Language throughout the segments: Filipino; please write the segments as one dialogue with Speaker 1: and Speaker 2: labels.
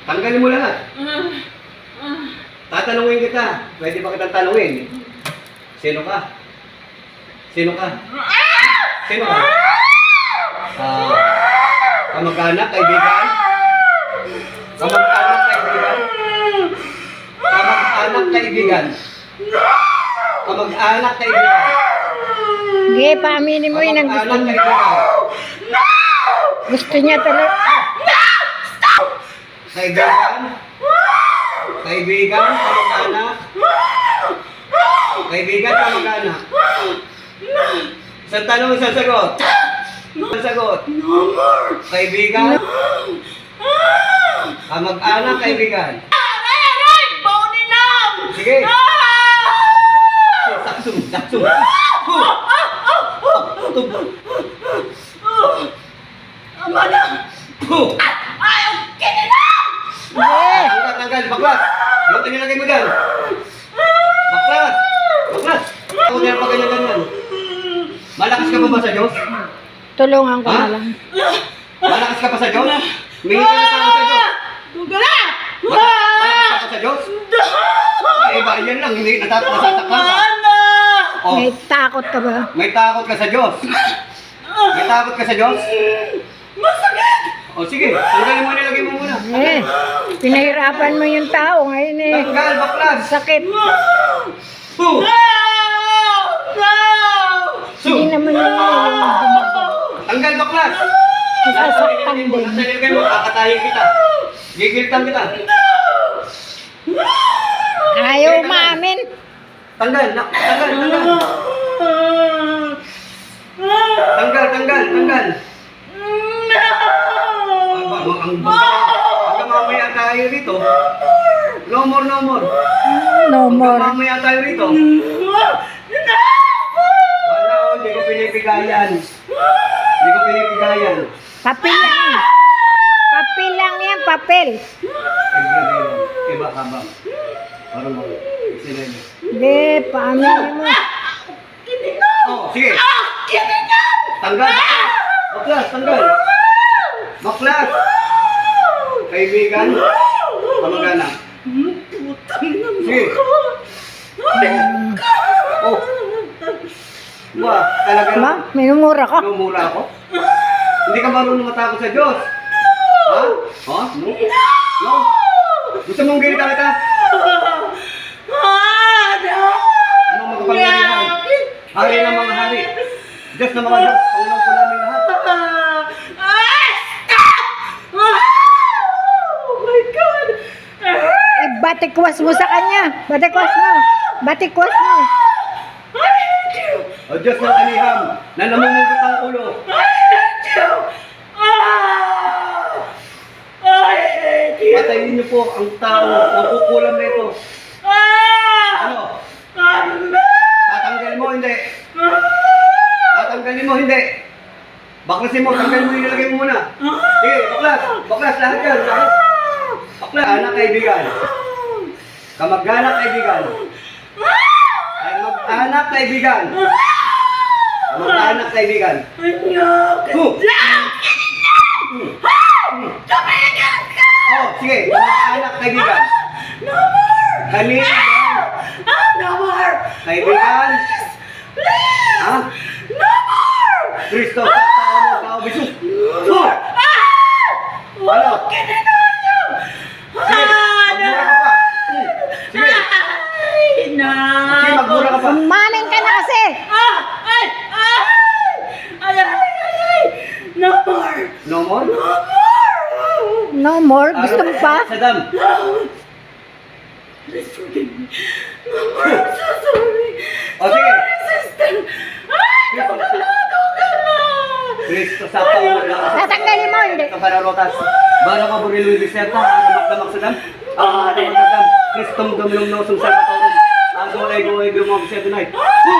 Speaker 1: Tanggalin mo lahat. Tatanungin kita. Pwede ba kitang tanungin? Sino ka? Sino ka? Sino ka? Kamag-anak, kaibigan? Kamag-anak, kaibigan? Kamag-anak, kaibigan? Kamag-anak, kaibigan?
Speaker 2: Sige, paaminin mo yun ang gusto
Speaker 1: Kamag-anak,
Speaker 2: niya.
Speaker 1: kaibigan?
Speaker 2: Gusto niya talaga.
Speaker 1: Kaibigan? Kaibigan, kamag-anak? Kaibigan, kamag-anak? Isang tanong, isang sagot. Isang sagot. Kaibigan? Kamag-anak, kaibigan? Sige. Saksum, saksum. Tanggal, tanggal, baklas. Yung tinilagay mo dyan. Baklas. Baklas. Ako nila pa ganyan-ganyan. Malakas ka pa ba sa Diyos?
Speaker 2: Tulungan ko na lang.
Speaker 1: Malakas ka pa sa Diyos? Humingi ka ng tao sa Diyos? Malakas ka pa sa Diyos? Ay, iba, yan lang. Hindi nasatakpan ka. Oh,
Speaker 2: May takot ka ba?
Speaker 1: may takot ka sa Diyos. May takot ka sa Diyos? O sige, tanggalin mo, nilagay mo muna.
Speaker 2: Pinahirapan mo yung tao ngayon eh.
Speaker 1: Tanggal, baklas.
Speaker 2: Sakit.
Speaker 1: Su! Su!
Speaker 2: Hindi naman yun.
Speaker 1: Tanggal, baklas.
Speaker 2: Nasasaktan din.
Speaker 1: Nasa nilagay mo, kakatayin kita. Gigiltan kita.
Speaker 2: Ayaw umamin.
Speaker 1: Tanggal, tanggal, tanggal. Tanggal, tanggal, tanggal. Hanggang mamaya tayo rito. No more, no more.
Speaker 2: No more.
Speaker 1: Hanggang mamaya tayo rito. Wala ko, hindi ko pinipigayan. Hindi ko pinipigayan.
Speaker 2: Papel lang. Papel lang yan, papel.
Speaker 1: Iba ka ba? Parang mo. Sinili.
Speaker 2: Hindi, paaminin mo.
Speaker 1: Oh, sige. Tanggal. Baklas, tanggal. Baklas. Kaibigan. Kamag-anak. Sige. Oh. Ba, talaga
Speaker 2: Ma, minumura ka.
Speaker 1: Minumura ako? Hindi ka marunong matakot sa Diyos? Ha? Ha? No? No? Gusto mong gilitan kita? Anong magpapangalihan? Hari ng mga hari. Diyos na mga Diyos. Pangulang po namin lahat.
Speaker 2: Batikwas mo sa kanya. Batikwas mo. Batikwas mo.
Speaker 1: O Diyos ng aniham, na namumugot ang ulo. Patayin niyo po ang tao na kukulam na ito. Ano? Tatanggalin mo, hindi. Tatanggalin mo, hindi. Baklasin mo, tanggalin mo, inilagay mo muna. Sige, baklas. Baklas, lahat yan. Lahat. Baklas. Anak, kaibigan. Kamag-anak, kaibigan. Kamag-anak, kaibigan. Kamag-anak, kaibigan. Oh, sige. Kamag-anak, kaibigan. Kanina. Kaibigan. Ha? Kristo, sa tao mo, tao bisu. Ano? Sige, magmura ka pa. Sige. Sige, magmura ka pa.
Speaker 2: Umamin ka na kasi.
Speaker 1: No more?
Speaker 2: No more. Gusto mo pa?
Speaker 1: Saddam. O sige. Kristo, sa tao mo lang.
Speaker 2: Tatanggalin mo, hindi.
Speaker 1: Sa pararotas. Baro ka burilong diserta, magdamag Saddam. Ang magdamag Saddam. Kristong dumlong nosong salvatorum. Ang gulay gulay bumog siya tonight.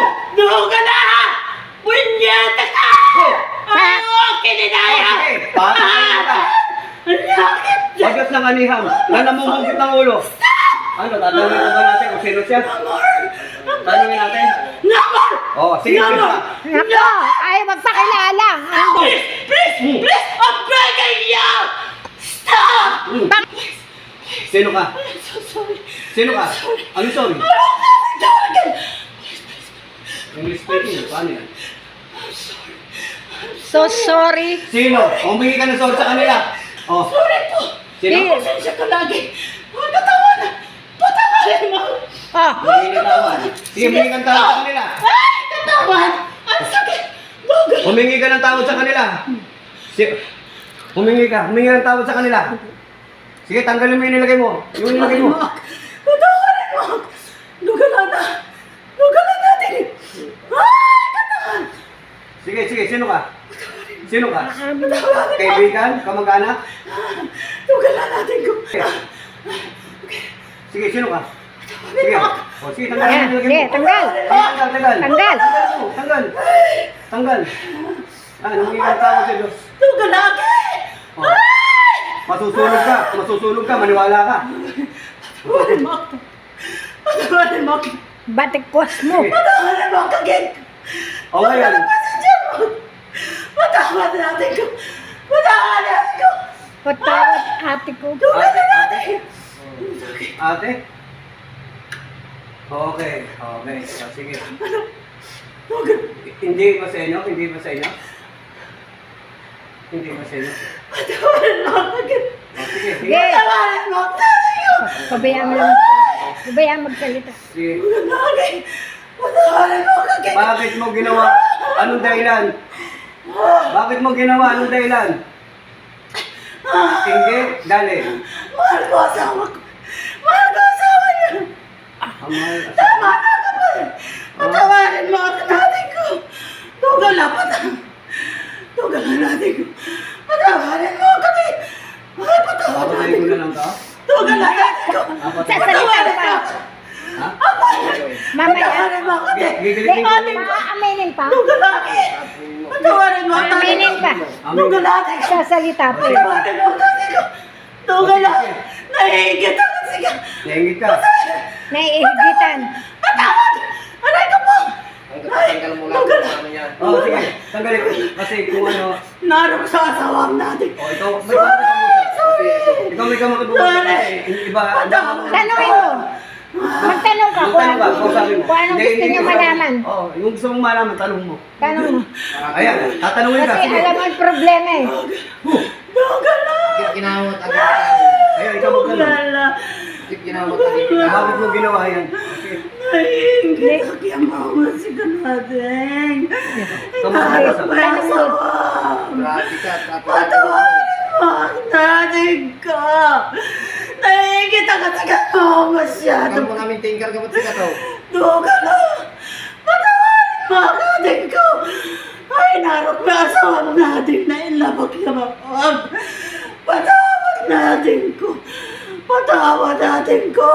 Speaker 1: Sige, paano ka? Pagkat ng aniham, na namumugit ng ulo. Ano, tatanungin ko ba natin kung sino siya? Tanungin natin. Oh, sige, please pa.
Speaker 2: Nako, ayaw magpakilala.
Speaker 3: Please, I'm begging you! Stop!
Speaker 1: Sino ka?
Speaker 3: I'm so sorry.
Speaker 1: Sino ka? Ano sorry?
Speaker 3: I don't have to do it again.
Speaker 1: English speaking, paano yan?
Speaker 3: I'm sorry.
Speaker 2: So sorry.
Speaker 1: Sino? Humingi ka ng sorry sa kanila. Oh,
Speaker 3: Sorry po.
Speaker 1: sino?
Speaker 2: Eh.
Speaker 3: Pasensya ka lagi. Pagkatawan. Patawarin mo.
Speaker 2: Ah,
Speaker 1: Humingi ng tawad. Sige, humingi ka ng tawad sa kanila.
Speaker 3: Ay, katawan. Ang sakit. Dugal.
Speaker 1: Humingi ka ng tawad sa kanila. Humingi ng tawad sa kanila. Sige, tanggalin mo yung nilagay mo. Yung nilagay mo.
Speaker 3: Patawarin mo. Dugalan na. Dugalan natin. Ay, katawan.
Speaker 1: Sige, sino ka? Sino ka?
Speaker 3: Patawarin mo.
Speaker 1: Kaibigan? Kamag-anak?
Speaker 3: Dugalan natin ko.
Speaker 1: Sige, sino ka? Sige. O, sige, tanggalin mo yung nilagay
Speaker 2: sige,
Speaker 1: mo.
Speaker 2: tanggal.
Speaker 1: Tanggal.
Speaker 2: Tanggal.
Speaker 1: Tanggal. Humingi ka ng tawad sa Diyos.
Speaker 3: Dugal natin.
Speaker 1: Oh. Masusunog ka, maniwala ka.
Speaker 3: Patawarin mo ako. Patawarin mo ako.
Speaker 2: Batikwas mo.
Speaker 3: Patawarin mo ako again.
Speaker 1: O ngayon,
Speaker 3: Pasensya mo. Patawarin natin ko. Patawarin natin ko.
Speaker 2: Patawad ate ko.
Speaker 3: Dugalan natin.
Speaker 1: ate? Okay. O, sige.
Speaker 3: Dugal.
Speaker 1: Hindi ba sa inyo? Hindi ba sa inyo?
Speaker 3: Patawarin mo ako again.
Speaker 1: O, sige.
Speaker 2: Sige.
Speaker 3: Patawarin mo ako. Tatay ko.
Speaker 2: Pabayaan mo lang. Pabayaan magsalita.
Speaker 1: Sige.
Speaker 3: Dugal natin. Patawarin mo ako again.
Speaker 1: Bakit mo ginawa? Anong dahilan? Bakit mo ginawa? Anong dahilan? Hindi, dali.
Speaker 3: Mahal ko asawa ko. Mahal ko asawa niya.
Speaker 1: Amal,
Speaker 3: Tama na kapal. Patawarin mo ako natin ko. Dugal na Dugal na natin ko. Patawarin mo ako din. Ay, patawarin
Speaker 1: Papatayin
Speaker 3: natin
Speaker 1: ko
Speaker 3: ko.
Speaker 1: na lang to.
Speaker 3: Dugal na natin ko.
Speaker 2: Sasalita pa.
Speaker 1: Ha?
Speaker 2: Mamaya.
Speaker 3: Patawarin mo ako din.
Speaker 1: Gigilitin ko.
Speaker 2: Maaminin pa.
Speaker 3: Dugal natin. Patawarin mo ako natin
Speaker 2: Maaminin
Speaker 3: ko.
Speaker 2: pa.
Speaker 3: Dugal natin ko.
Speaker 2: Sasalita pa.
Speaker 3: Patawarin mo ako natin ko. Dugal na. Nahihigit ako. Sige.
Speaker 1: Naingit ka.
Speaker 2: Naiigitan.
Speaker 3: Patawad. Aray ko po.
Speaker 4: Tanggal mo lang
Speaker 3: Dugal na.
Speaker 4: kung ano yan.
Speaker 1: Oo, sige. Tanggalin ko. Kasi kung ano,
Speaker 3: Narok sa asawang natin.
Speaker 1: o ikaw, may kamakabusa. Ikaw may kamakabusa. Kasi iba,
Speaker 2: Tanungin mo. Magtanong ka kung
Speaker 1: Magtanong ka, kung sabi mo.
Speaker 2: kung anong gusto niyo malaman.
Speaker 1: Oo, yung gusto mong malaman, tanong mo.
Speaker 2: Tanong mo.
Speaker 1: Ayan, tatanungin ka.
Speaker 2: Kasi
Speaker 1: Sige.
Speaker 2: alam mo ang problema eh.
Speaker 3: Dugal na.
Speaker 4: Bakit ginawat ang gipitan?
Speaker 1: Ayan, ikaw magtanong.
Speaker 3: Dugal na.
Speaker 4: Bakit ginawat ang gipitan?
Speaker 1: Bakit mo ginawa yan? Sige.
Speaker 3: Nahihigit ako yung mga sika natin.
Speaker 1: Kamakabusa.
Speaker 3: May asawa.
Speaker 4: Grabe ka, tapos
Speaker 3: Patawarin mo ang natin ka. Nahihigit ako sa gano'n masyado.
Speaker 4: Ikaw mo namin tingkar ka ba't sika to?
Speaker 3: Dugal na. Patawarin mo ang natin ko. Ay, narok na asawang natin na ilabag yung mapag. Patawad natin ko. Patawad natin ko.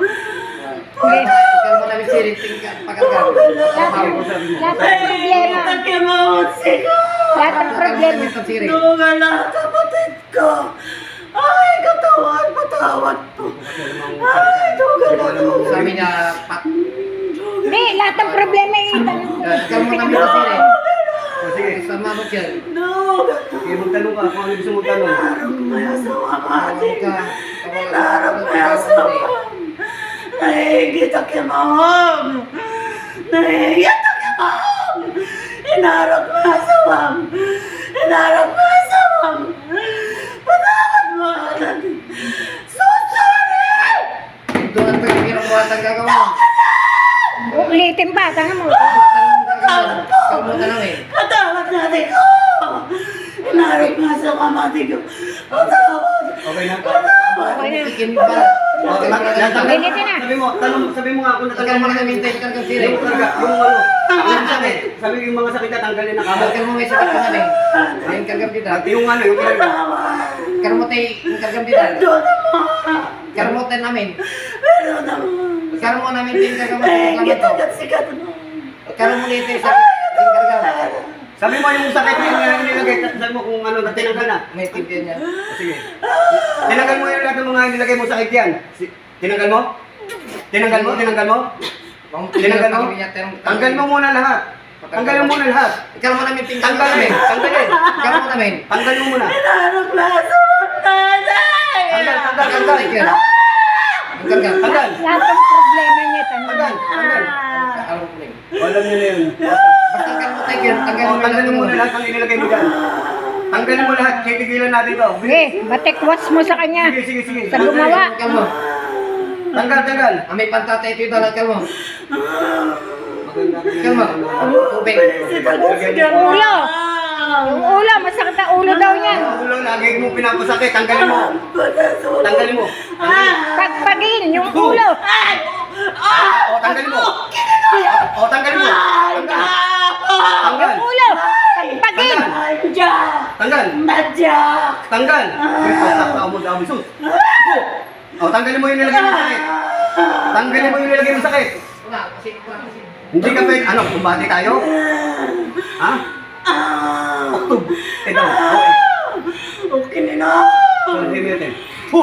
Speaker 4: Ikaw mo namin siring tingkar, pakarga.
Speaker 2: Lahat ng problema.
Speaker 3: Takimotsi ko.
Speaker 2: Lahat ng problema.
Speaker 3: Dugal na kapatid ko. Ay, katawan, patawad po. Ay, dugal na dugal.
Speaker 4: Sabi niya, pat.
Speaker 2: Hindi, lahat ng problema eh. Tanong mo.
Speaker 4: Ikaw mo namin siring.
Speaker 1: O, sige.
Speaker 4: Sa manok yan.
Speaker 3: Dugal.
Speaker 1: Sige, magtanong ka kung ano gusto mong tanong.
Speaker 3: Narok may asawa
Speaker 4: Tawag
Speaker 3: natin.
Speaker 4: ka.
Speaker 3: Narok may asawa. Nahihigit ako yung mahom. Nahihigit ako yung mahom. Inarok mo asawang. Inarok mo asawang. Patawad mo agad. So sorry!
Speaker 4: Ito ang pagkakirang buhat ang gagawa mo.
Speaker 2: Ulitin pa, tanong mo.
Speaker 4: Ikaw mo tanongin.
Speaker 3: Patawad natin ko. Inarok mo asawang natin ko. Patawad.
Speaker 1: Okay na?
Speaker 2: Okay na.
Speaker 4: Ikin ba?
Speaker 1: Okay,
Speaker 2: Pilitin na.
Speaker 1: Sabi mo nga kung
Speaker 4: Ikaw
Speaker 1: natanggal
Speaker 4: mo
Speaker 1: mo na
Speaker 4: namin tingkar ka siring.
Speaker 1: yung karga, yung ano, yung sakit. Sabi yung mga sakit na tanggalin na kamot.
Speaker 4: Ikaw mo may sakit ka namin. Ayun kargam dito.
Speaker 1: Yung ano, yung karga.
Speaker 3: Patawad.
Speaker 4: Karmote yung kargam dito.
Speaker 3: Perdón mo.
Speaker 4: Karmote namin.
Speaker 3: Perdón mo.
Speaker 4: Karmo namin tingkar ka
Speaker 3: Nahihigit
Speaker 4: mo.
Speaker 3: ako sikat mo.
Speaker 4: Karmo dito sa tingkar ka.
Speaker 1: Sabi mo yung sakit yung nilagay, sabi mo kung ano, tinanggal na.
Speaker 4: May tibyan niya.
Speaker 1: Sige. Tinanggal mo yung lahat ng mga nilagay mo sakit yan. Tinanggal mo? Tinanggal mo? Tinanggal mo? Tinanggal mo? Tanggal mo muna lahat. Tanggal mo muna lahat.
Speaker 4: Ikaw mo namin tingkar ka
Speaker 1: Tanggalin.
Speaker 4: namin.
Speaker 1: Tanggalin.
Speaker 4: Ikaw mo namin.
Speaker 1: Tanggal mo muna.
Speaker 3: Inarok na asawang natin.
Speaker 1: Tanggal, tanggal, tanggal.
Speaker 4: Tanggal. Karga.
Speaker 1: Tanggal.
Speaker 2: Lahat ng problema niya, tanong.
Speaker 1: Tanggal. Tanggal.
Speaker 4: Alam mo rin.
Speaker 1: Alam niyo na yun.
Speaker 4: Basta kalmutay yun.
Speaker 1: Tanggalin mo na lahat ng inilagay mo dyan. Tanggalin mo lahat. Titigilan natin to.
Speaker 2: Sige, batikwas mo sa kanya.
Speaker 1: Sige.
Speaker 2: Sa gumawa.
Speaker 4: Kalmo.
Speaker 1: Tanggal.
Speaker 4: May pantatay ito dalat kalmo.
Speaker 1: Maganda.
Speaker 4: Kalmo. Tubig.
Speaker 2: Ulo. Yung ulo, masakit ang ulo daw niyan.
Speaker 1: Ulo, lagi mo pinapasakit. Tanggalin mo. Tanggalin mo.
Speaker 2: Pagpagin, yung ulo.
Speaker 1: O, tanggalin mo. O, tanggalin mo. Tanggal. Tanggal.
Speaker 2: Yung ulo. Pagpagin.
Speaker 1: Tanggal.
Speaker 3: Madyak!
Speaker 1: Tanggal. May pasakta mo daw, Jesus. O, tanggalin mo yung nilagay mo sakit. Tanggalin mo yung nilagay mo sakit.
Speaker 4: Una, kasi.
Speaker 1: Hindi ka pwede. Ano, kumbati tayo? Ha? Oktub. Ito. Okay.
Speaker 3: Okay na.
Speaker 1: So, hindi mo natin.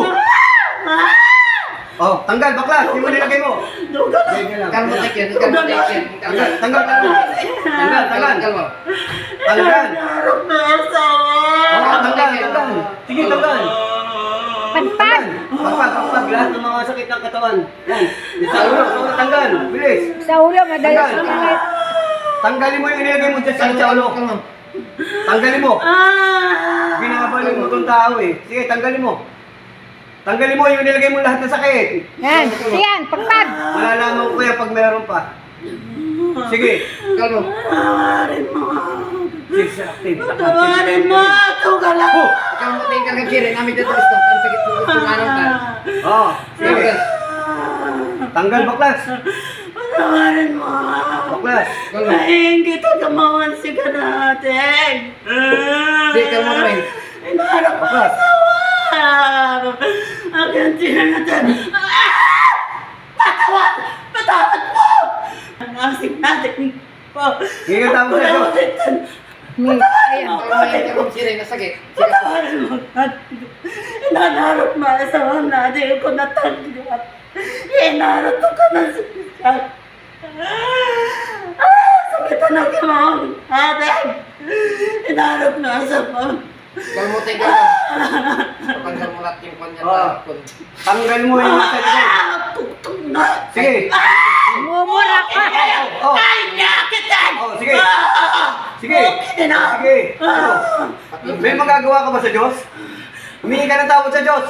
Speaker 1: Oh, tanggal, bakla. Hindi mo nilagay mo.
Speaker 3: Duga na.
Speaker 1: Ganyan lang.
Speaker 4: Kalmutay yun. Kalmutay yun.
Speaker 1: Tanggal. Tanggal. Tanggal.
Speaker 3: Narap na asawa.
Speaker 1: Oh, tanggal. Sige, tanggal.
Speaker 2: Pagpag.
Speaker 1: Pagpag. Lahat ng mga sakit ng katawan. Yan. Sa ulo, tanggal. Bilis.
Speaker 2: Sa ulo, madalas ulit.
Speaker 1: Tanggalin mo yung inilagay mo dyan sa ulo. Tanggalin mo. Binabalin mo itong tao eh. Sige, tanggalin mo. Tanggalin mo yung nilagay mo lahat ng sakit.
Speaker 2: Yan, yan, pagpag.
Speaker 1: Malalaman ko yan pag meron pa. Sige.
Speaker 4: Kalmo.
Speaker 3: Tawarin mo.
Speaker 1: Sige, active.
Speaker 3: Tawarin mo. Duga na.
Speaker 4: Kalmutay karga kiri. Namin dito gusto. Ang sakit mo gusto nga nang ka.
Speaker 1: Oh, sige. Tanggal, baklas.
Speaker 3: Tawarin mo.
Speaker 1: Baklas.
Speaker 4: Kalmo.
Speaker 3: Maingit ang kamawan si ka natin.
Speaker 4: Sige, kalmo na rin.
Speaker 3: Inarap mo asawa. Ang gantihan natin. Patawad mo. Ang asing natin po.
Speaker 1: Hindi ka tawag sa Diyos.
Speaker 2: Ayan.
Speaker 4: Kalmo kiri. Nasakit.
Speaker 3: Patawarin mo natin. Inanarap mo asawa natin ko natanggap. Inarap ka na siya. Sakit na kamawan natin. Inarap mo asawa.
Speaker 4: Kalmutay ka. Tanggal mo lahat yung kanya tapon.
Speaker 1: Tanggal mo yung nasa likod.
Speaker 3: Tutong na.
Speaker 1: Sige.
Speaker 2: Mumura ka.
Speaker 1: Oh,
Speaker 3: Ay, nakitan!
Speaker 1: oh, sige. Sige.
Speaker 3: Okay na.
Speaker 1: Sige. Ano? May magagawa ka ba sa Diyos? Humingi ka ng tawad sa Diyos.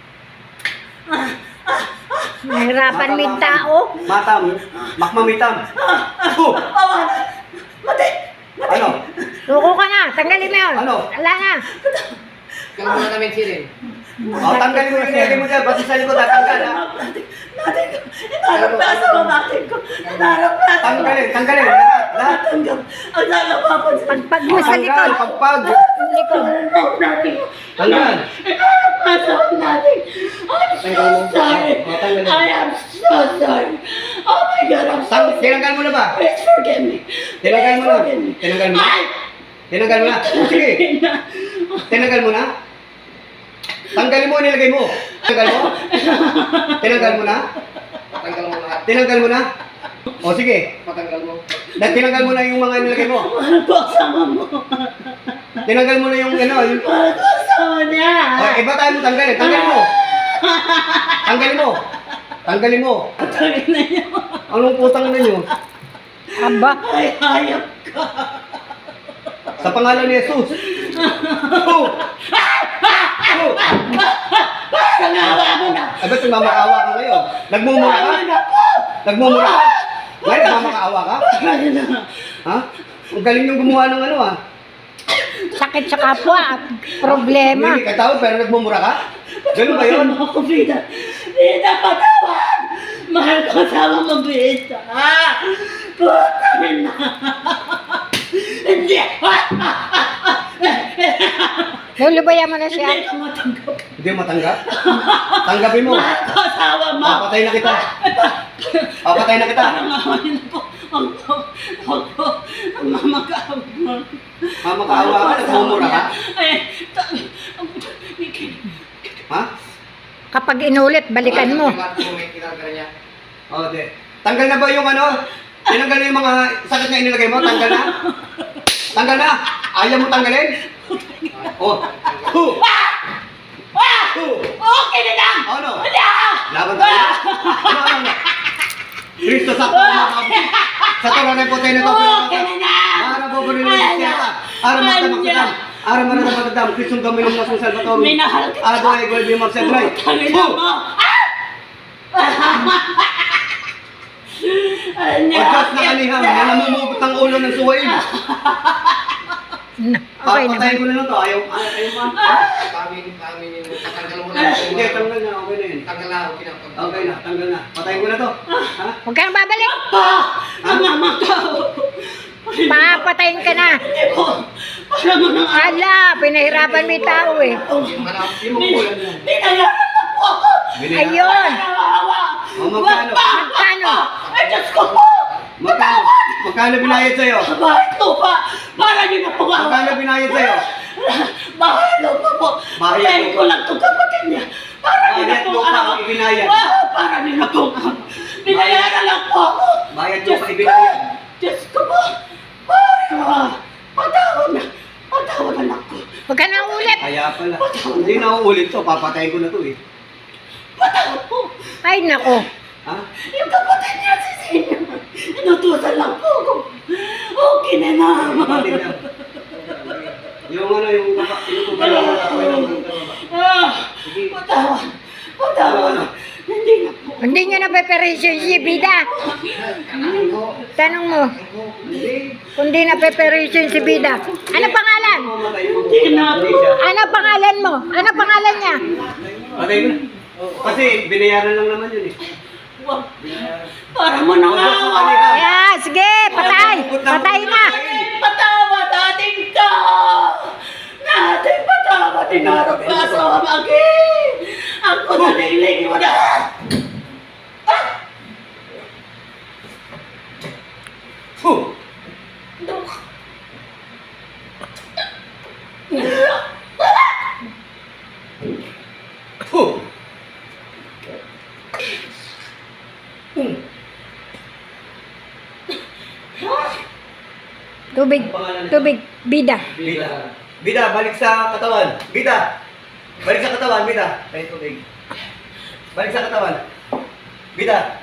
Speaker 2: Nahirapan mo yung tao.
Speaker 1: Matam. Makmamitam. Oh,
Speaker 3: Mati!
Speaker 1: ano?
Speaker 2: Suko ka na. Tanggalin mo yun.
Speaker 1: Ano?
Speaker 2: Wala na.
Speaker 4: Kalmo na namin kiri.
Speaker 1: Oh, tanggalin mo yung nilagay mo dyan. Basta sa likod, tanggal ha.
Speaker 3: Natin ko. Inarap na asawa natin ko. Inarap na asawa.
Speaker 1: Tanggalin. Lahat.
Speaker 3: Natanggap. Ang lalapapan sa
Speaker 2: Pagpag mo sa likod.
Speaker 1: Tanggal. Pagpag.
Speaker 2: Likod.
Speaker 3: natin ko.
Speaker 1: Tanggal.
Speaker 3: Inarap na asawa natin. I'm so sorry. I am so sorry. Oh my God, I'm so sorry.
Speaker 1: Tinanggal mo na ba?
Speaker 3: Please forgive me.
Speaker 1: Tinanggal mo na.
Speaker 3: Please forgive me.
Speaker 1: Tinanggal mo na.
Speaker 3: Ay!
Speaker 1: Tinanggal mo na. Sige. Tinanggal mo na. Tanggalin mo, nilagay mo. Tanggal mo. Tinanggal mo na.
Speaker 4: Patanggal mo lahat.
Speaker 1: Tinanggal mo na. O sige.
Speaker 4: Patanggal mo.
Speaker 1: Tinanggal mo na yung mga nilagay mo.
Speaker 3: Mahal ko asawa mo.
Speaker 1: Tinanggal mo na yung ano. Yung...
Speaker 3: Mahal ko asawa niya.
Speaker 1: O, iba tayo mo tanggalin. Tanggalin mo. Tanggalin mo. Tanggalin mo.
Speaker 3: Tangin na niya.
Speaker 1: Anong putang na nyo?
Speaker 2: Aba.
Speaker 3: Ay, hayop ka.
Speaker 1: Sa pangalan ni Jesus. Oh! Oh!
Speaker 3: Nangawa mo na.
Speaker 1: Ay, ba't nagmamakaawa ka ngayon? Nagmumura ka?
Speaker 3: Ano po?
Speaker 1: Nagmumura ka? Ngayon, nagmamakaawa ka?
Speaker 3: Ano na?
Speaker 1: Ha? Ang galing yung gumawa ng ano ah.
Speaker 2: Sakit sa kapwa at problema.
Speaker 1: Hindi ka tao pero nagmumura ka? Ganun ba yun?
Speaker 3: Ako, Vida. Vida, patawad. Mahal ko asawa mo, Vida. Putangin na. Hindi.
Speaker 2: Lulubayan mo na siya.
Speaker 3: Hindi ko matanggap.
Speaker 1: Hindi mo matanggap? Tanggapin mo.
Speaker 3: Mahal ko asawa mo.
Speaker 1: Papatay na kita. Papatay na kita.
Speaker 3: Nangawain po. Ako. Ang mamakaawa mo.
Speaker 1: Mamakaawa ka? Nagmumura ka?
Speaker 3: Ay,
Speaker 1: Ha?
Speaker 2: Kapag inulit, balikan mo.
Speaker 4: May kinarga niya.
Speaker 1: O, di. Tanggal na ba yung ano? Tinanggal na yung mga sakit na inilagay mo? Tanggal na? Tanggal na? Ayaw mo tanggalin? Oh.
Speaker 3: Okay na lang!
Speaker 1: Ano?
Speaker 3: Wala!
Speaker 1: Laban tayo? Ano? Kristo, sakto na makabuti. Sa toro na puti na to.
Speaker 3: Okay na lang!
Speaker 1: Para po rin yung siyata. Para magtamaksadam. Para magtamaksadam. Kristong gaminom na sa Salvatore.
Speaker 3: Minahal kita.
Speaker 1: Ado ay gold yung magsadray.
Speaker 3: Tangina mo!
Speaker 1: Pagkas na kaniham, na namumugot ang ulo ng suwain.
Speaker 2: Okay
Speaker 1: Patayin
Speaker 2: naman.
Speaker 1: ko na lang to. Ayaw pa.
Speaker 4: Pamin, tatanggal mo na.
Speaker 1: Hindi, tanggal na. Okay na yun.
Speaker 4: Tanggal na, okay na.
Speaker 1: Okay na, tanggal na. Patayin ko na to. Ha?
Speaker 2: Huwag ka nang babalik.
Speaker 3: Namamakaw!
Speaker 2: Papatayin ka na.
Speaker 3: Hindi mo! Para mo nang
Speaker 2: Hala, pinahirapan mo yung tao eh.
Speaker 4: Yung manapin mo ko yan.
Speaker 3: binayaran na po ako!
Speaker 2: Ayun.
Speaker 3: Nawawa!
Speaker 1: O, magkano?
Speaker 2: Magkano?
Speaker 3: Ay, Diyos ko po!
Speaker 1: Magkano? Magkano binayad sa'yo?
Speaker 3: Bahay lupa! Para niyo na po ako!
Speaker 1: Magkano binayad sa'yo?
Speaker 3: Bahay lupa po!
Speaker 1: Bahay
Speaker 3: Patayin
Speaker 1: lupa.
Speaker 3: ko lang itong kapatid niya! Para niyo na
Speaker 1: Bayad
Speaker 3: po
Speaker 1: lupa
Speaker 3: ako!
Speaker 1: ang ibinayad.
Speaker 3: Para niyo na po ako! Binayaran lang po ako!
Speaker 1: Bayad
Speaker 3: Diyos
Speaker 1: lupa
Speaker 3: ko!
Speaker 1: ibinayad.
Speaker 3: Diyos ko po! Para! Patawad na! Patawad anak ko!
Speaker 2: Huwag ka nang ulit.
Speaker 1: Kaya pala. Hindi na uulit to. Papatayin ko na to eh.
Speaker 3: Patawad po!
Speaker 2: Ay, nako.
Speaker 1: Ha?
Speaker 3: Yung kapatid niya si Senior, inutusan lang po ako. Okay na naman.
Speaker 1: Kapatid na. Yung ano, yung inutuban lang ako. Okay lang.
Speaker 3: Patawad. Patawad. Hindi na po.
Speaker 2: Hindi niya napeperisyon si Bida. Tanong mo,
Speaker 1: Hindi.
Speaker 2: kung di napeperisyon si Bida. Ano pangalan?
Speaker 1: Mamatay mo.
Speaker 3: Hindi na po.
Speaker 2: Ano pangalan mo? Ano pangalan niya?
Speaker 1: Patay ko na. Kasi binayaran lang naman yun eh.
Speaker 3: Wag. Para mo nang awa.
Speaker 2: Yeah, sige, patay. Patay na.
Speaker 3: Patawad ating ka. Natin patawad. Tinarap ka sa magi. Ako na nilig mo na.
Speaker 1: Huh! Huh!
Speaker 2: Tubig, tubig, Bida.
Speaker 1: Bida. Bida, balik sa katawan. Bida. Balik sa katawan, Bida. Tayo tubig. Balik sa katawan. Bida.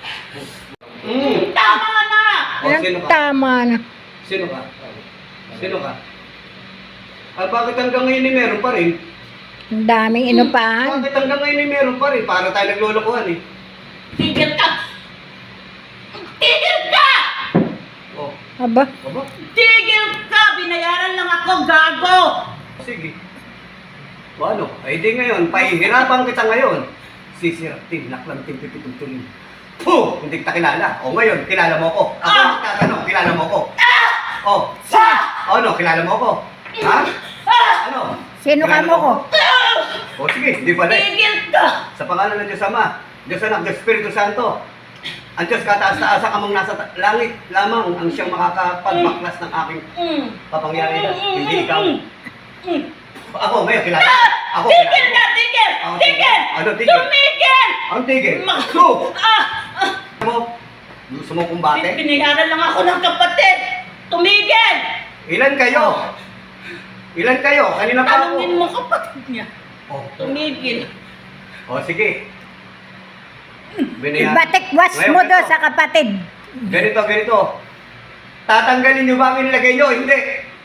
Speaker 3: Tama na.
Speaker 1: O, sino ka?
Speaker 2: Tama na.
Speaker 1: Sino ka? Sino ka? Ah, bakit hanggang ngayon eh meron pa rin?
Speaker 2: Ang daming inupahan.
Speaker 1: Bakit hanggang ngayon eh meron pa rin? Para tayo naglolokohan eh.
Speaker 3: Tigil ka. Tigil ka.
Speaker 1: Oh,
Speaker 2: Aba,
Speaker 1: baba.
Speaker 3: Tigil ka. Binayaran lang ako. Gago.
Speaker 1: Sige. O ano? Ay di ngayon, pahihirapan kita ngayon. Sisirap, tinaklang, timpipitultunin. Puh! Hindi kita kilala. O ngayon, kilala mo ko. Ako magtatanong, kilala mo ko. O, ano, kilala mo ko? Ha? Ano?
Speaker 2: sino ka
Speaker 1: Kilala
Speaker 2: mo ko?
Speaker 1: O sige, hindi pala.
Speaker 3: Tigil ka.
Speaker 1: Sa pangalan ng Diyos Ama, Diyos Anak, Diyos Espiritu Santo, ang Diyos kataas-taasa kamang nasa langit lamang ang siyang makakapagbaklas ng aking kapangyarihan. Hindi ikaw. Ako, ngayon, kilala. Ako,
Speaker 3: Tigil
Speaker 1: kilala mo.
Speaker 3: na. Tigil.
Speaker 1: Ako,
Speaker 3: Tigil.
Speaker 1: Ano, tigil?
Speaker 3: Tumigil.
Speaker 1: Ang tigil.
Speaker 3: Ma-
Speaker 1: So,
Speaker 3: Ah.
Speaker 1: mo, gusto mo kumbate?
Speaker 3: Binayaran lang ako ng kapatid. Tumigil.
Speaker 1: Ilan kayo? Ilan kayo? Kanina pa ako.
Speaker 3: Tanungin mo kapatid niya.
Speaker 1: Oh.
Speaker 3: Tumigil.
Speaker 1: O, sige. Binayaran.
Speaker 2: Batikwas mo
Speaker 1: Ngayon,
Speaker 2: do
Speaker 1: ito.
Speaker 2: sa kapatid.
Speaker 1: Ganito, ganito. Tatanggalin nyo ba ang nilagay nyo? Hindi.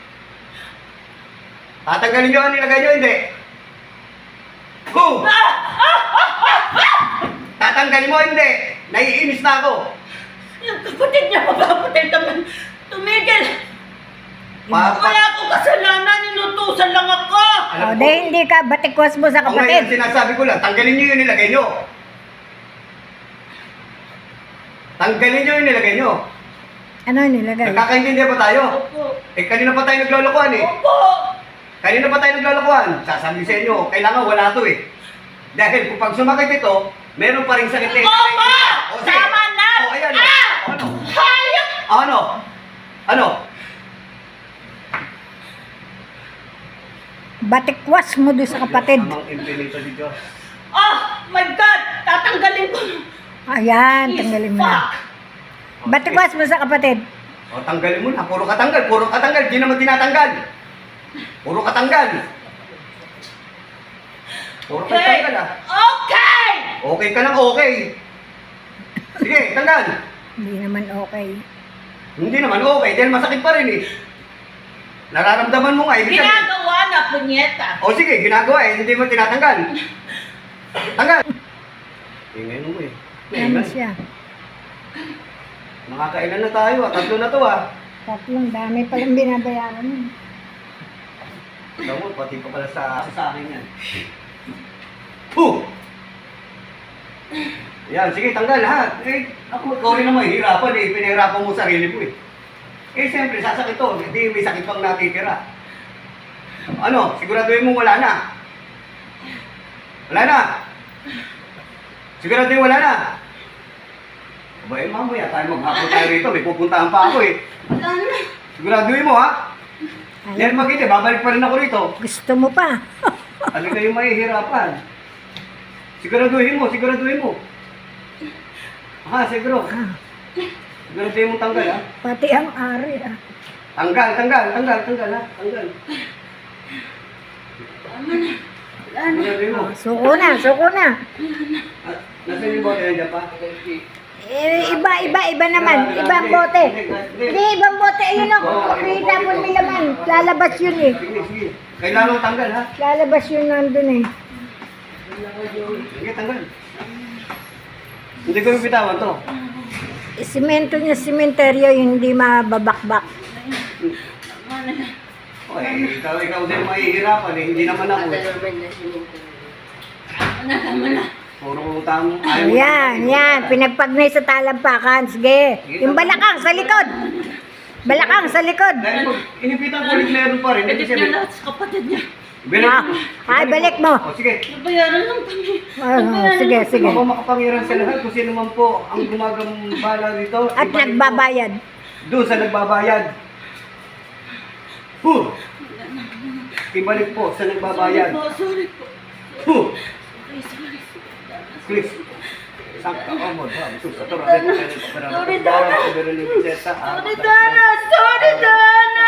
Speaker 1: Tatanggalin nyo ang nilagay nyo? Hindi. Go! Tatanggalin mo? Hindi. Naiinis na ako.
Speaker 3: Yung kapatid niya, mapapatay naman. Tumigil.
Speaker 1: Papa.
Speaker 3: Wala akong kasalanan. Inutusan lang ako.
Speaker 1: Alam
Speaker 2: O,
Speaker 1: ko.
Speaker 2: dahil hindi ka batikwas mo sa
Speaker 1: Ang ngayon,
Speaker 2: kapatid.
Speaker 1: sinasabi ko lang, tanggalin nyo yung nilagay nyo. Tanggalin nyo yung nilagay nyo.
Speaker 2: Ano nilagay?
Speaker 1: Nagkakaintindihan pa tayo?
Speaker 3: Opo.
Speaker 1: Eh, kanina pa tayo naglolokohan eh.
Speaker 3: Opo.
Speaker 1: Kanina pa tayo naglolokohan. Sasabi sa inyo, kailangan wala to eh. Dahil kung pag sumakit ito, meron pa rin sakit na
Speaker 3: Opo!
Speaker 1: O, sige.
Speaker 3: Tama na!
Speaker 1: O, ayan o.
Speaker 3: Ah!
Speaker 1: O, ano?
Speaker 3: Hayop!
Speaker 1: Ano? Ano?
Speaker 2: Batikwas mo do sa kapatid.
Speaker 1: Amang infinito ni Diyos.
Speaker 3: Oh my God! Tatanggalin ko.
Speaker 2: Ayan, tanggalin mo na. Batikwas mo sa kapatid.
Speaker 1: O, tanggalin mo na. Puro katanggal. Puro katanggal. Di naman tinatanggal. Puro katanggal. Puro tanggal ah.
Speaker 3: Okay!
Speaker 1: Okay ka lang okay. Sige, tanggal.
Speaker 2: Hindi naman okay.
Speaker 1: Hindi naman okay, dahil masakit pa rin eh. Nararamdaman mo nga, ibig sabihin.
Speaker 3: Ginagawa na, punyeta.
Speaker 1: O sige, ginagawa eh, hindi mo tinatanggal. Tanggal! Tingnan mo eh.
Speaker 2: Ano siya?
Speaker 1: Makakailan na tayo ah, 3 na to ah.
Speaker 2: Tatlong dami palang binabayaran mo.
Speaker 1: Alam mo, pati pa pala sa akin yan. Puh! Yan, sige, tanggal lahat. Eh, ako, ikaw rin naman, hirapan eh. Pinahirapan mo sarili mo eh. Eh, siyempre, sasakit to. Hindi, may sakit pang natitira. Ano, siguraduhin mo wala na. Wala na. Siguraduhin wala na. Aba, eh, mamaya tayo maghapon tayo rito. May pupuntahan pa ako eh.
Speaker 3: Wala na.
Speaker 1: Siguraduhin mo ha. Yan makita, babalik pa rin ako rito.
Speaker 2: Gusto mo pa?
Speaker 1: Ano kayo mahihirapan? Siguraduhin mo, siguraduhin mo. Ha, siguro. Siguraduhin mo tanggal ha.
Speaker 2: Pati ang ari ah.
Speaker 1: Tanggal ha. Tanggal.
Speaker 3: Tama na. Wala na.
Speaker 1: Siguraduhin mo.
Speaker 2: Suko na, suko na.
Speaker 1: Nasaan yung bote nandiyan pa?
Speaker 2: Iba naman. Ibang bote. Hindi, ibang bote. Ayun o. Kita mo may laman. Lalabas yun eh.
Speaker 1: Sige. Kailangan mo tanggal ha.
Speaker 2: Lalabas yun nandun eh.
Speaker 1: Sige, tanggal. Hindi ko yung bitawan to.
Speaker 2: Simento niya, simenteryo, hindi mababakbak.
Speaker 3: Tama na.
Speaker 1: Okay, ikaw din mahihirapan eh. Hindi naman ako.
Speaker 3: Tama na.
Speaker 1: Puro utang.
Speaker 2: Yan. Pinagpagnay sa talampakan. Sige. Yung balakang sa likod. Balakang sa likod.
Speaker 1: Dahil pag inipitan ko ulit meron pa rin. Hindi
Speaker 3: Edit
Speaker 1: siya.
Speaker 3: niya lahat sa kapatid niya.
Speaker 2: Ay, balik mo.
Speaker 1: O sige.
Speaker 3: Nabayaran lang kami.
Speaker 2: Sige.
Speaker 1: Ako makapangyarihan sa lahat kung sino man po ang gumagambala dito.
Speaker 2: At
Speaker 1: ibalik po
Speaker 2: nagbabayad.
Speaker 1: doon sa nagbabayad. Huh! Ibalik po sa nagbabayad.
Speaker 3: Sorry po.
Speaker 1: Huh!
Speaker 3: Sorry.
Speaker 1: Please. Sangka ka mo. Sorry, Dana.
Speaker 3: Sorry, Dana.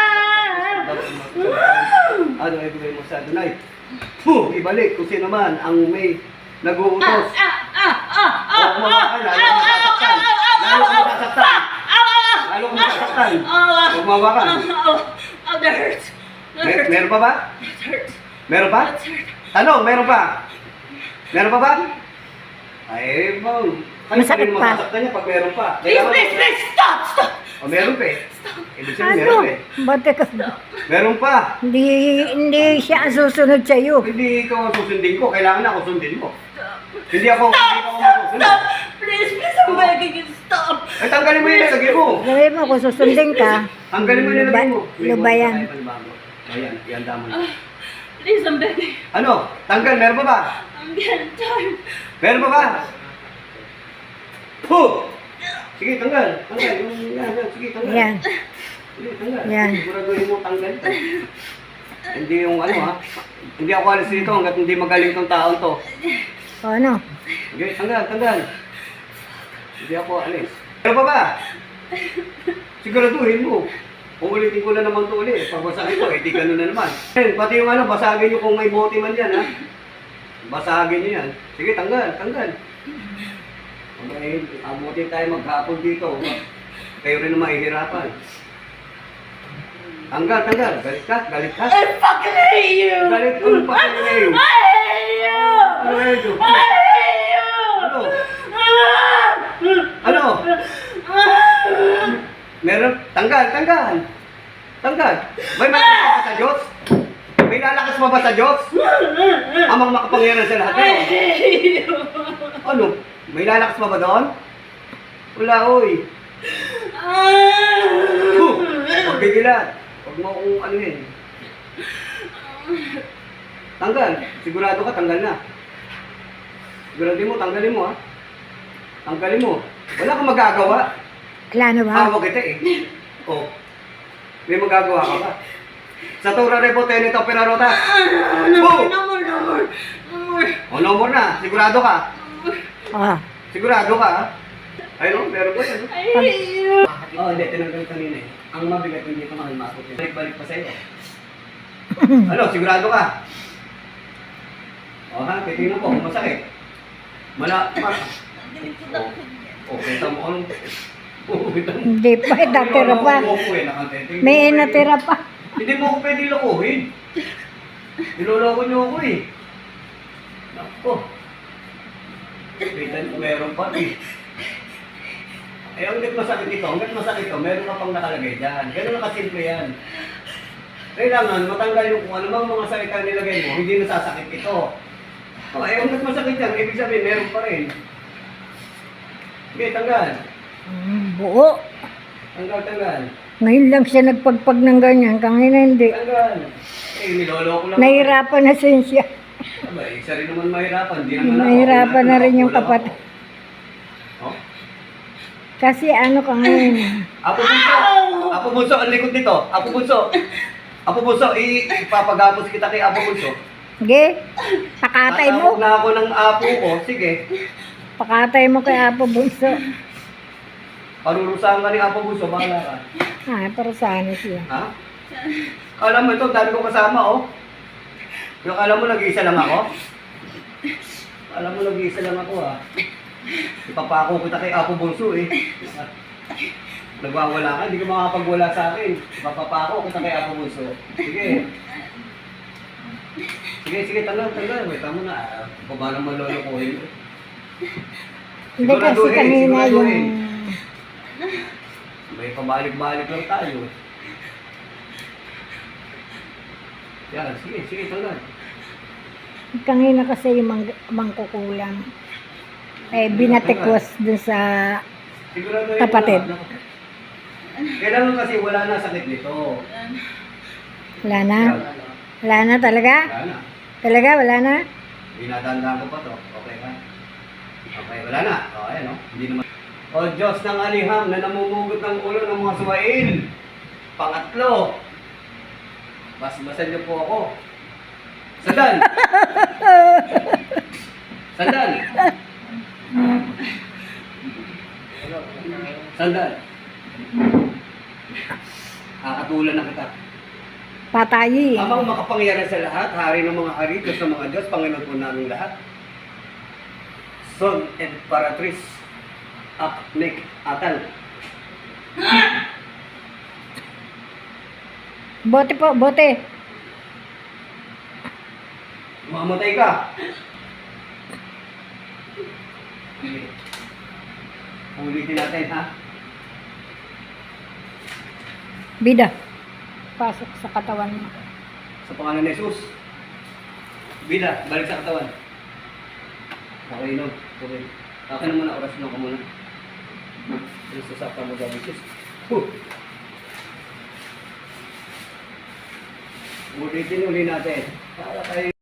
Speaker 1: Ano ibigay mo sa Adonai? Huh! Ibalik kung sino man ang may nag-uutos. Lalo kung sasaktan. Gumawa ka.
Speaker 3: That hurts.
Speaker 1: Meron pa ba?
Speaker 3: That hurts.
Speaker 1: Meron pa?
Speaker 3: That hurts.
Speaker 1: Tanong, meron pa? Meron pa ba? Ay, bang.
Speaker 2: Masakit pa.
Speaker 1: Masaktan niya pag meron pa.
Speaker 3: Please, stop.
Speaker 1: O, meron pa eh. Ibig sabihin,
Speaker 2: Ano?
Speaker 1: meron eh.
Speaker 2: Bate ka.
Speaker 1: Meron pa.
Speaker 2: Hindi siya ang susunod sa'yo.
Speaker 1: Hindi ikaw ang susundin ko. Kailangan ako sundin mo. Hindi ako masusunod.
Speaker 3: Stop. Please, I'm begging you, stop.
Speaker 1: Ay, tanggalin mo yung nilagay mo.
Speaker 2: Sabi mo, kung susundin ka,
Speaker 1: Tanggalin mo yung nilagay mo.
Speaker 2: lubayan.
Speaker 1: Ayan, ihanda mo.
Speaker 3: Please, I'm begging.
Speaker 1: Ano? Tanggal, meron pa ba?
Speaker 3: I'm getting tired.
Speaker 1: Meron pa ba? Puh! Sige, tanggal. Tanggal. Yan. Sige, tanggal.
Speaker 2: Yan.
Speaker 1: Sige, tanggal.
Speaker 2: Yan.
Speaker 1: Siguraduhin mo tanggal ito. Hindi yung ano ha. Hindi ako alis dito hanggat hindi magaling tong taon to.
Speaker 2: O ano?
Speaker 1: Sige, tanggal. Hindi ako alis. Meron pa ba? Siguraduhin mo. Kung ulitin ko na naman ito ulit. Pag basagin ko, di ganun na naman. Pati yung ano, basagin nyo kung may bote man yan ha. Basagin nyo yan. Sige, tanggal. Okay, abutin tayo maghapon dito. Kayo rin na mahihirapan. Tanggal. Galit ka?
Speaker 3: I fucking hate you.
Speaker 1: Galit ko pa kayo na yun.
Speaker 3: I hate you.
Speaker 1: Ano na ito?
Speaker 3: I hate you.
Speaker 1: Ano? Meron? Tanggal. May malakas pa ba sa Diyos? May lalakas pa ba sa Diyos? Amang makapangyarihan sa lahat.
Speaker 3: I hate you.
Speaker 1: Ano? May lalakas pa ba doon? Wala, oy. Huwag bigilan. Huwag mo kung ano yun. Tanggal. Sigurado ka, tanggal na. Siguraduhin mo, tanggalin mo ha. Tanggalin mo. Wala kang magagawa.
Speaker 2: Wala na ba?
Speaker 1: Hawag kita eh. Oh. May magagawa ka ba? Sa Torah Rebo, Tenito, Perarota.
Speaker 3: No more.
Speaker 1: O, no more na. Sigurado ka. Sigurado ka ha. Ayun, meron ko yan.
Speaker 3: I hate you.
Speaker 1: Hindi, tinanggal kanina eh. Ang mabigat hindi ko makalmasok yun. Balik pa sa'yo. Ano, sigurado ka? O ha, titignan ko kung masakit. Okay, tamo ko.
Speaker 2: Hindi pa, natira pa. May natira pa.
Speaker 1: Hindi mo ako pwede lokohin. Niloloko niyo ako eh. Nako. Pitan ko meron pa eh. Eh, hanggat masakit ito, meron ka pang nakalagay dyan. Ganun na kasimple yan. Kailangan matanggal yung kung ano bang mga salita nilagay mo, hindi nasasakit ito. O, eh, hanggat masakit yan, ibig sabihin, meron pa rin. Okay, tanggal.
Speaker 2: Buo.
Speaker 1: Tanggal.
Speaker 2: Ngayon lang siya nagpagpag ng ganyan. Kangina hindi.
Speaker 1: Tanggal. Eh, niloloko lang.
Speaker 2: Nahirapan na siya.
Speaker 1: Aba, isa rin naman mahirapan. Di naman ako.
Speaker 2: Nahirapan na rin yung kapatid.
Speaker 1: Oh?
Speaker 2: Kasi ano ka ngayon.
Speaker 1: Apo Bunso, ang likod nito. Apo Bunso, ipapagapos kita kay Apo Bunso.
Speaker 2: Sige, pakatay mo.
Speaker 1: Tatawag na ako ng apo ko. Sige.
Speaker 2: Pakatay mo kay Apo Bunso.
Speaker 1: Parurusahan ka ni Apo Bunso, bahala ka.
Speaker 2: Pero sana siya.
Speaker 1: Ha? Alam mo ito, dami ko kasama, oh. Yung alam mo, nag-iisa lang ako? Alam mo, nag-iisa lang ako, ha? Ipapako kita kay Apo Bunso, eh. Nagwawala ka, hindi ka makakapagwala sa akin. Ipapako kita kay Apo Bunso. Sige. Sige, tanggal. Wait, tama na. Kung ba naman lolokohin?
Speaker 2: Hindi kasi kanina yung...
Speaker 1: May pabalik-balik lang tayo. Yan, sige, tanggal.
Speaker 2: Kanina kasi yung mangkukulam. Eh, binatikwas dun sa
Speaker 1: Sigurado yun
Speaker 2: kapatid.
Speaker 1: na. Kailangan kasi wala na sakit nito.
Speaker 2: Wala na. Wala na talaga?
Speaker 1: Wala na.
Speaker 2: Talaga, wala na?
Speaker 1: Dinadandaan ko pa to. Okay ka? Okay, wala na. O, ayan o. Hindi naman. O Diyos ng aliham na namumugot ng ulo ng mga suwain. Pangatlo. Basbasan niyo po ako. Sandal! Sandal! Kakatulan na kita.
Speaker 2: Patayi.
Speaker 1: Amang makapangyarihan sa lahat, hari ng mga hari, Diyos ng mga Diyos, Panginoon po namin lahat. Son and Paratrice, Aknek Atal.
Speaker 2: Bote po, bote.
Speaker 1: Mamatay ka. Ulitin natin, ha?
Speaker 2: Bida. Pasok sa katawan mo.
Speaker 1: Sa pangalan ni Jesus. Bida, balik sa katawan. Okay, no? Okay. Akin na muna, orasin lang ko muna. Jesus, sakta mo gabi, Jesus. Ulitin natin. Para tayo